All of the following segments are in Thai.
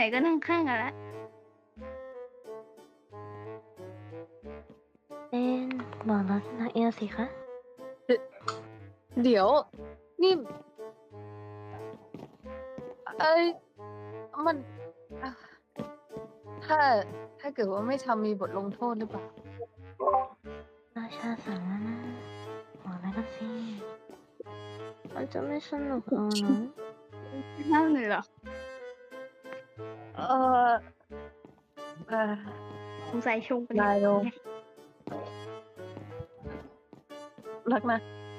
นๆก็นั่งข้างกันแล้วเป็นบอกรักนาเอลสิคะเดี๋ยว นี่ เอ้ยมันอ่ะถ้าถ้าเกิดว่าไม่ทำมีบทลงโทษหรือเปล่าราชาสั่งแล้วนะบอกแล้วกันสิมันจะไม่สนุกเอานะห้ามเลยเหรอเออเออสงสัยชงไปได้ลง รักนะ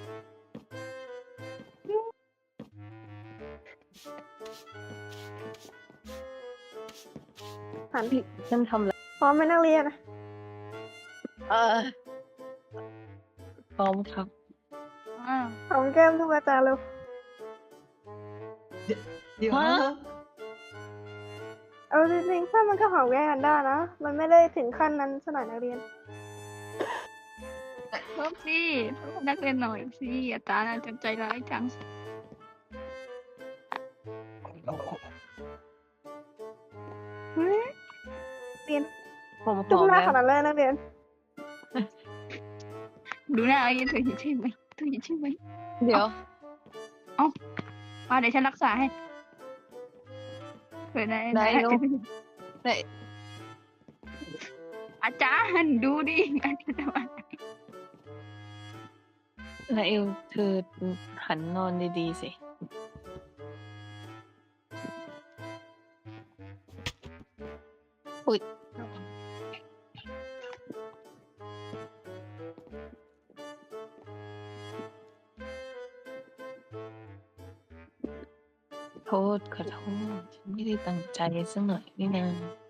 หันผิดฉันทำแล้วพร้อมไหมนักเรียนอะเออพร้อมครับอ้าวหอมแก้มทุกอาจารย์เร็วเดี๋ยวฮะนะเอาจริงๆถ้ามันก็หอมแก้มกันได้นะ มันไม่ได้ถึงขั้นนั้นสนอยนักเรียนเพิ่มสินักเรียนหน่อยสิอาจารย์อาจารย์ใจร้ายจัง เฮ้ยเรียนผมหจุ๊อบ มหน้าแล้วขนาดเลยนักเรียนดูหน้าไอ้เธอเห็นใช่ไหมเธอเห็นใช่ไหมเดี๋ยวมาเดี๋ยวฉันรักษาให้เผื่อได้ได้นะลูก ไหนอาจารย์ดูดิอาจารย์ว่านาเอลเธอหันนอนดีๆสิ อุ๊ย โทษขอโทษ ฉันไม่ได้ตั้งใจสักหน่อยนี่นา